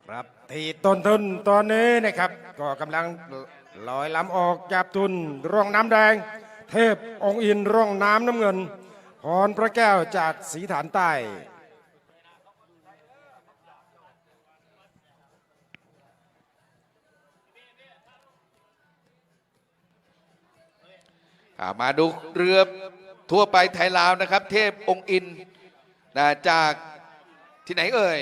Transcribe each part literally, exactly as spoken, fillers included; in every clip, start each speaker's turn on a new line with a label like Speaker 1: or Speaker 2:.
Speaker 1: ครับที่ต้นทุนตอนนี้นะครับก็กำลังลอยลำออกจากทุนร่องน้ำแดง เทพองค์อินร่องน้ำน้ำเงินพรพระแก้วจากศรีฐานใต้
Speaker 2: มาดูเรือทั่วไปไทยลาวนะครับ เทพองค์อินนะจากที่ไหนเอ่ย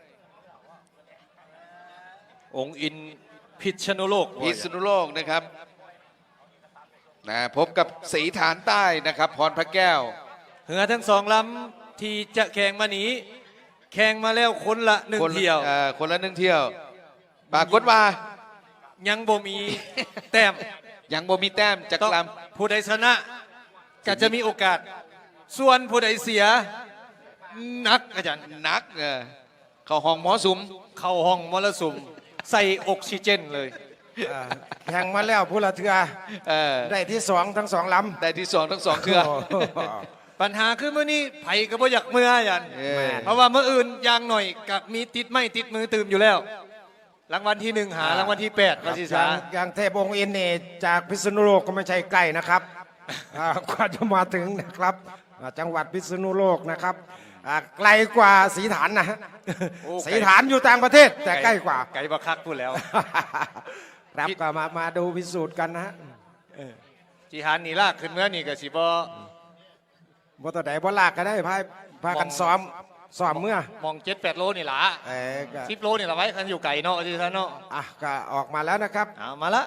Speaker 3: องค์อินพิษณุโลก
Speaker 2: พิษณุโลกนะครับนะพบกับศรีฐานใต้นะครับพรพระแก้ว
Speaker 3: เหือทั้งสองลำที่จะแข่งมานี้แข่งมาแล้วคนละหนึ่ง
Speaker 2: คน
Speaker 3: เที่ยว
Speaker 2: อ่อคนละหนึ่งเที่ยวปรากฏว่า
Speaker 3: ยังบ่มีแต้ม
Speaker 2: ยังบ่มีแต้มจาก
Speaker 3: ต้อง
Speaker 2: ล
Speaker 3: ผู้ใดชนะก็จะมีโอกาส ส่วนผู้ใดเสียนักอาจารย์
Speaker 2: ำนักเออเข้าห้องหมอสุม
Speaker 3: เข้าห้องมรสุมใส่ออกซิเจนเลย
Speaker 1: อ่าแข่งมาแล้วผู้ละเทือ
Speaker 2: เออ
Speaker 1: ได้ที่สองทั้งสองลำ
Speaker 2: ได้ที่สองทั้งสองเครือ
Speaker 1: โโห
Speaker 3: ปัญหาคือเมื่อนี้ไผ่ก็บ่อยากเมื่ออาจารย์
Speaker 2: เออ
Speaker 3: เพราะว่าเมื่ออื่นอยางหน่อยกับมีติดไม่ติดมือตื่มอยู่แล้ว รางวัลที่หนึ่งหารางวัลที่แปดมาสิ
Speaker 1: อ
Speaker 3: สา
Speaker 1: ย่างอย่างเทพองค์อินนี่จากพิษณุโลกก็ไม่ใช่ใกล้นะครับอ่ากว่าจะมาถึงนะครับอ่าจังหวัดพิษณุโลกนะครับอ่าไกลกว่าศรีฐานนะฮะศรีฐานอยู่ต่างประเทศแต่ใกล้กว่า
Speaker 3: ไก่บักคักพูดแล้ว
Speaker 1: ครับก็มามาดูพิสูจน์กันนะฮะ
Speaker 3: จีฮานนี่ลากขึ้นเมื่อนี่ก็สิบ่
Speaker 1: บ่ตัวใดบ่ลากก็ได้พาพากันซ้อมซ้อมเมื่อ
Speaker 3: มองเจ็ดแปดโลนี่ล่ะ
Speaker 1: เออก็
Speaker 3: สิบโลนี่ละไว้คันอยู่ไก่เนาะที่ท่านเนาะ
Speaker 1: อ่ะก็ออกมาแล้วนะครับ
Speaker 3: เอามาละ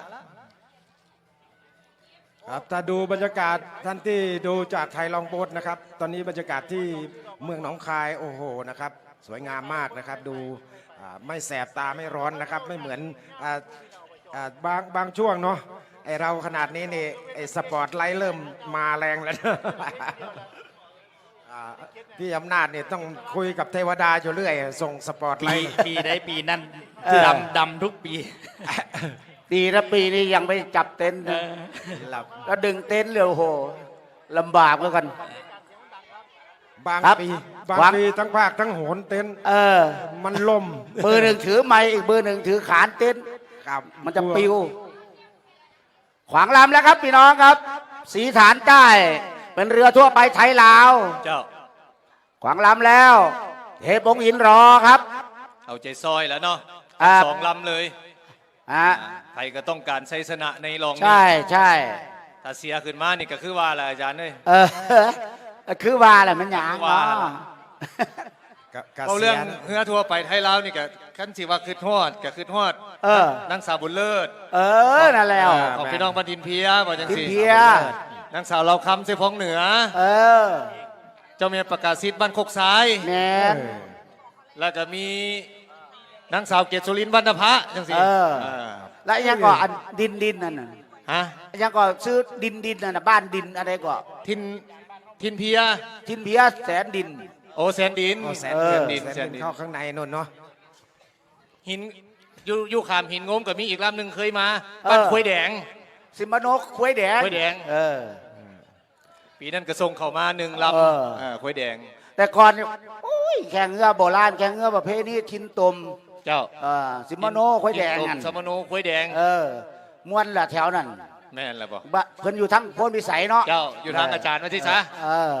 Speaker 1: ครับถ้าดูบรรยากาศท่านที่ดูจากไทยลองโบสนะครับ ตอนนี้บรรยากาศที่เมืองหนองคายโอ้โหนะครับ สวยงามมากนะครับ ดูอ่าไม่แสบตาไม่ร้อนนะครับ ไม่เหมือนอ่าอ่าบางบางช่วงเนาะไอเราขนาดนี้นี่ไอสปอร์ตไลท์เริ่มมาแรงแล้วนะ อ่าพี่อำนาจเนี่ยต้องคุยกับเทวดาอยู่เรื่อยส่งสปอร์ตไล
Speaker 4: ปี
Speaker 1: ท์
Speaker 4: ปีได้ปีนั้น
Speaker 5: เออ
Speaker 4: ดำดำทุกปี
Speaker 5: ปีละปีนี้ยังไม่จับเต็นท์นะ
Speaker 1: หลับ
Speaker 5: แล้วดึงเต็นท์เลยโอ้โหลำบากเหมือนกัน
Speaker 1: บาง
Speaker 5: ครับ
Speaker 1: ปีบาง
Speaker 5: วาง
Speaker 1: ปีทั้งภาคทั้งโหนเต็นท์
Speaker 5: เออ
Speaker 1: มันล่ม
Speaker 5: มือหนึ่งถือไม้อีกมือหนึ่งถือขานเต็นท์
Speaker 1: ครับ
Speaker 5: มันจะปิว ขวางลำแล้วครับพี่น้องครับสีฐานใต้ เป็นเรือทั่วไปไทยลาว
Speaker 3: เจ้า
Speaker 5: ขวางลำแล้ว เทพองค์อินรอครับ
Speaker 3: เอาใจซอยแล้วเนาะ
Speaker 5: ครับ
Speaker 3: สองลำเลย
Speaker 5: ฮะ
Speaker 3: ไทยก็ต้องการชัยชนะในรองนี้
Speaker 5: ใช่ใช่
Speaker 3: ถ้าเสียขึ้นมานี่ก็คือว่าอะไรอาจารย์เอ้ย
Speaker 5: เออ คือว่าแหละมันหยาง
Speaker 3: ว่า
Speaker 5: เนาะ
Speaker 1: กะกะ
Speaker 3: เอาเรื่อง
Speaker 1: สีย
Speaker 3: เฮือทั่วไปไทยลาวนี่ก็ขั้นสิว่าคือทอดก็คือทอด
Speaker 5: เออ
Speaker 3: นางสาวบุญเลิศ
Speaker 5: เออนั่นแล้ว
Speaker 3: ของพี่น้องบันทินเพียบ่จัง
Speaker 5: ทิม
Speaker 3: สิ
Speaker 5: เพีย
Speaker 3: นางสาวเราคำเสพองเหนือ
Speaker 5: เออ
Speaker 3: เจ้าเมียประกาศสิทธิ์บ้านโคกซ้าย
Speaker 5: แมน
Speaker 3: แล้วก็มีนางสาวเกศสุรินทร์วรรณภะจังสิ
Speaker 5: เออ
Speaker 3: เออ
Speaker 5: แล้วยังก็อันดินดินนั่นน่ะ
Speaker 3: ฮะ
Speaker 5: ยังก็ซื้อดินดินนั่นน่ะบ้านดินอะไรก็
Speaker 3: ทินทินเพีย
Speaker 5: ทินเพียแสนดิน
Speaker 3: โอแสนดิน
Speaker 1: โอ้แสน
Speaker 5: เออ
Speaker 1: เดือน
Speaker 3: ดิน
Speaker 1: แสน
Speaker 3: แสนดิ
Speaker 1: ดิน
Speaker 3: น
Speaker 1: เข้าข้างในนู่นเนาะ
Speaker 3: หินอยู่อยู่ขามหินงมกับมีอีกลำหนึ่งเคยมาบ้านควยแดง
Speaker 5: สิมโนควยแดง
Speaker 3: ควยแดง
Speaker 5: เออ
Speaker 3: ปีนั้นกระทรงเข้ามาหนึ่งล
Speaker 5: เออ
Speaker 3: ำเออควยแดง
Speaker 5: แต่ก่อนเนี่ยโอ้ยแข่งเรือโบราณแข่งเรือประเภทนี้ทินตม
Speaker 3: เจ้า
Speaker 5: เออสิมโนควยแดง
Speaker 3: หิน
Speaker 5: นั่น
Speaker 3: สมโนควยแดง
Speaker 5: เออม้วนละแถวนั้น
Speaker 3: แม่นแล้วบ่
Speaker 5: บะเพิ่นอยู่ทั้งโพนพิสัยเนาะ
Speaker 3: เจ้าอยู่ทางอาจารย์มาที่ซะ
Speaker 5: เออ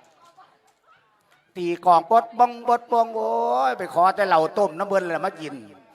Speaker 5: ตีกองปดบองปดบองโอ้ยไปขอแต่เหล่าต้มน้ำเบิ้ลแหละมากิน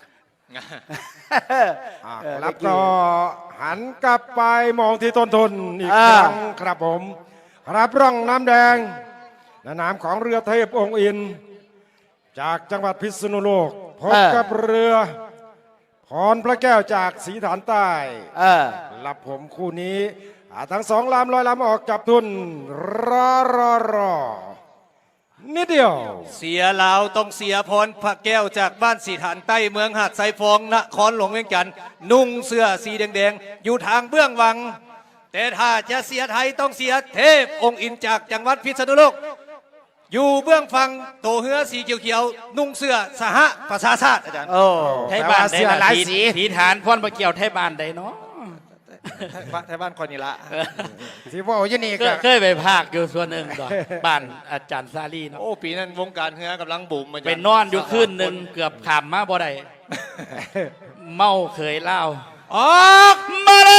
Speaker 1: อ่า
Speaker 5: เออ
Speaker 1: ครับ
Speaker 5: เมื่อกี้
Speaker 1: ก็หันกลับไปมองที่ต้นทุนอีก
Speaker 5: อ่า
Speaker 1: ครั้งครับผมครับร่องน้ำแดงในนามของเรือเทพองค์อิน จากจังหวัดพิษณุโลกพบกับเรือพรพระแก้วจากศรีฐานใต้
Speaker 5: เออ
Speaker 1: รับผมคู่นี้อ่าทั้งสองลำลอยลำออกจับทุนรอรอรอนิดเดียว
Speaker 3: เสียลาวต้องเสียพรพระแก้วจากบ้านสีฐานใต้เมืองหาดไซฟองนครหลวงเวียงจันทร์นุ่งเสื้อสีแดงๆอยู่ทางเบื้องวัง แต่ถ้าจะเสียไทยต้องเสียเทพองค์อินจากจังหวัดพิษณุโลก อยู่เบื้องฝั่งโตเฮือสีเขียวๆนุ่งเสื้อสหประชาชาติอาจารย์
Speaker 5: โอ้
Speaker 4: ไทยบ้าน
Speaker 1: แต่ว่าเสื้อ
Speaker 4: ได้
Speaker 1: หลาย
Speaker 4: ที
Speaker 1: สี
Speaker 4: ทีฐานพ่อนมาเกี่ยวไทยบ้านได้เนาะ
Speaker 3: ไทยบ้านคนนี้ละ
Speaker 1: ที่ว่าอยู่นี่
Speaker 4: เค
Speaker 1: ก็
Speaker 4: ยเคยไปภาคอยู่ส่วนหนึ่งก่อนบ้านอาจารย์ซาลีเนาะ
Speaker 3: โอ้ปีนั้นวงการเฮือกำลังบูมมาจาก
Speaker 4: ไปนอนอยู่คืนหนึ่งเกือบขามมาบ่ได้เมาเคยเล่า
Speaker 3: ออกมาเลย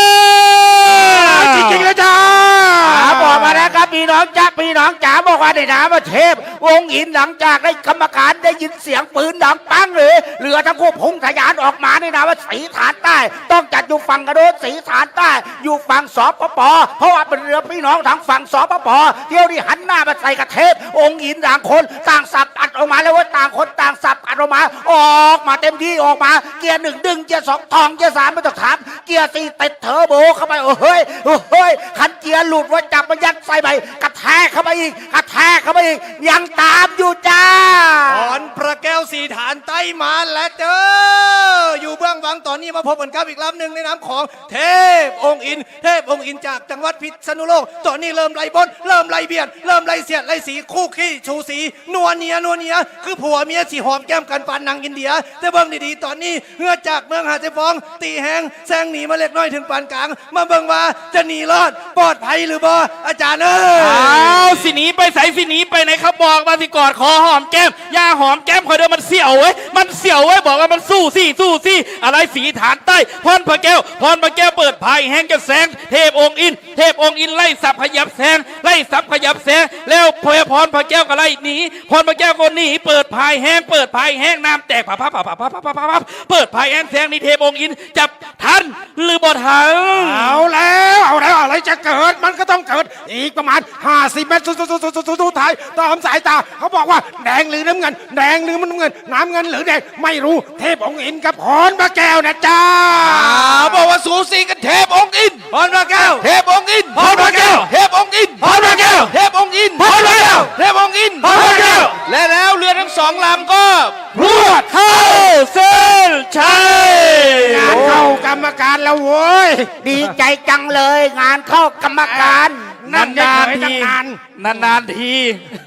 Speaker 1: จริงๆเลยจ้า
Speaker 5: อ่าบอกมาแล้วครับพี่น้องจ้าพี่น้องจ๋าบอกว่าในน้ำประเทพวงอินหลังจากได้กรรมการได้ยินเสียงปืนดังปังเลยเรือทั้งคู่พุ่งทะยานออกมาในน้ำว่าสีฐานใต้ ต้องจัดอยู่ฝั่งกระโดดสีฐานใต้ อยู่ฝั่งสปปเพราะว่าเป็นเรือพี่น้องทางฝั่งสปปเที่ยวที่หันหน้ามาใส่กระเทพองค์อินต่างคนต่างสับอัดออกมาแล้วว่าต่างคนต่างสับอัดออกมา ออกมาเต็มที่ออกมาเกียร์หนึ่งดึงเกียร์สองทองเกียร์สามไม่ต้องถามเกียร์สี่ติดเทอร์โบเข้าไปโอ้เฮ้ยโอ้เฮ้ยคันเกียร์หลุดว่าจับมันยัดใส่ไปกระแทกเข้าไปอีกกระแทกเข้าไปอีกยังตามอยู่จ้า
Speaker 3: ถอนพระแก้วสีฐานใต้มาแล้วเจออยู่เบื้องหลังตอนนี้มาพบกันครับอีกลำหนึ่งในน้ำของเทพองค์อินเทพองค์อินจากจังหวัดพิษณุโลกตอนนี้เริ่มไล่บนเริ่มไล่เบียดเริ่มไล่เสียดไล่สีคู่ขี้ชูสีนัวเนียนัวเนียคือผัวเมียสีหอมแก้มกันปานนางอินเดียแต่เบื้องดีๆตอนนี้เฮือจากเมืองหาดเจฟองตีแหงแซงหนีมาเล็กน้อยถึงปานกลางมาเบิ่งว่าจะหนีรอดปลอดภัยหรือบ่อาจารย์เอ้ย
Speaker 4: เอาสิหนีไปใส่สิหนีไปไหนครับบอกมาสิกอดคอหอมแก้มยาหอมแก้มคอยเดินมันเสี่ยวเว้ยมันเสี่ยวเว้ยบอกว่ามันสู้สิสู้สิอะไรสีฐานใต้พรพระแก้วพรพระแก้วเปิดพายแห้งจะแสงเทพองค์อินเทพองค์อินไล่สับขยับแสงไล่สับขยับแสงแล้วพอพรพระแก้วก็ไล่หนีพรพระแก้วก็หนีเปิดพายแห้งเปิดพายแห้งน้ำแตกพับพับพับพับพับพับพับเปิดพายแห้งแสงนี่เทพองค์อินจับทันหรือบ่ทัน
Speaker 1: เอาแล้วเอาแล้วอะไรจะเกิดมันก็ต้องเกิดอีกประมาณห้าสิบเมตรสุดสุดสุดสุดสุดท้ายตามสายตาเขาบอกว่าแดงหรือน้ำเงินแดงหรือน้ำเงินน้ำเงินหรือแดงไม่รู้เทพองค์อินกับพรพระแก้วนะจ้า
Speaker 2: อ่าบอกว่าสูสีกันเทพองค์อิน
Speaker 3: พรพระแก้ว
Speaker 2: เทพองค์อิน
Speaker 3: พรพระแก้ว
Speaker 2: เทพองค์อิน
Speaker 3: พรพระแก้ว
Speaker 2: เทพองค์อิน
Speaker 3: พรพระแก้ว
Speaker 2: เทพองค์อิน
Speaker 3: พรพระแก้ว
Speaker 2: และแล้วเรือทั้งสองลำก็
Speaker 4: พรวดเข้าเส้นชัย
Speaker 1: งานเข้ากรรมการแล้วโว้ย
Speaker 5: ดีใจจังเลยงานเข้ากรรมการ
Speaker 1: นั่น
Speaker 4: นาน
Speaker 1: เฉยๆตั้
Speaker 4: ๆที
Speaker 1: งนาน
Speaker 4: นานๆที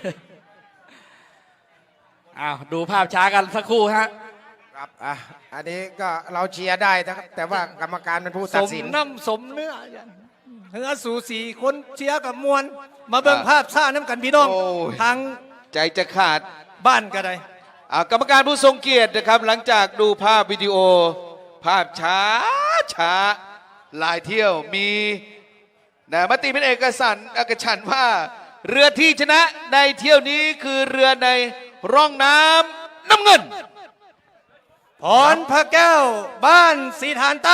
Speaker 4: อ้าวดูภาพช้ากันสักครู่ฮะ
Speaker 1: ครับอ่ะอันนี้ก็เราเชียร์ได้นะครับแต่ว่ากรรมการเป็นผู้
Speaker 3: ส
Speaker 1: ตัด
Speaker 3: ม
Speaker 1: สิน
Speaker 3: น้ำสมเนื้อเนื้อสูสีคนเชียร์กับมวลมาเบิ่งภาพซ่าน้ำกันพี่น้อง
Speaker 2: โอ้ย
Speaker 3: ทาง
Speaker 2: ใจจะขาด
Speaker 3: บ้านก็ได้
Speaker 2: อ่ากรรมการผู้ทรงเกียรตินะครับ หลังจากดูภาพวิดีโอ ภาพช้าช้าหลายเที่ยวมีนะมติเป็นเอกสันเอกฉันท์ว่า เรือที่ชนะในเที่ยวนี้คือเรือในร่องน้ำน้ำเงิน
Speaker 3: พรพระแก้วบ้านสีฐานใต้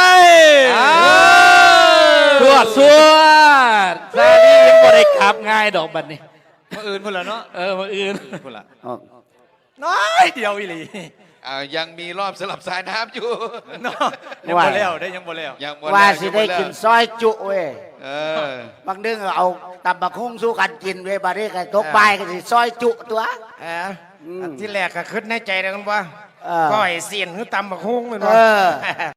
Speaker 4: สวดสวดซานี่ยังบ่ได้ขับง่ายดอกบัดนี้
Speaker 3: มาอื่นพุ่นละเนาะ
Speaker 4: เออมาอื่น
Speaker 3: พุ่นละน้อยเดียวอีหลี
Speaker 2: อ่ายังมีรอบสลับสายน้ำอยู่
Speaker 3: เนาะยังบ่แล้วได้ยังบ่แล้ว
Speaker 2: ยังหม
Speaker 5: ว่า
Speaker 2: แล้ว
Speaker 5: สิ
Speaker 2: ยังหม
Speaker 5: ได้
Speaker 2: แล้ว
Speaker 5: กินซอยจุเว้ย
Speaker 2: เออบ
Speaker 5: างเดือนเอาตำบักหุ่งสู้กันกินเว้ยบานี้กันตกบ่ายกันสิซอยจุตัว
Speaker 1: เอออันที่แรกก็คิดในใจนะกันว่า
Speaker 5: เออ
Speaker 1: ก้อยเสียนหรือตำบักฮุ้งเป็น
Speaker 5: เอ
Speaker 1: ว่า
Speaker 5: อ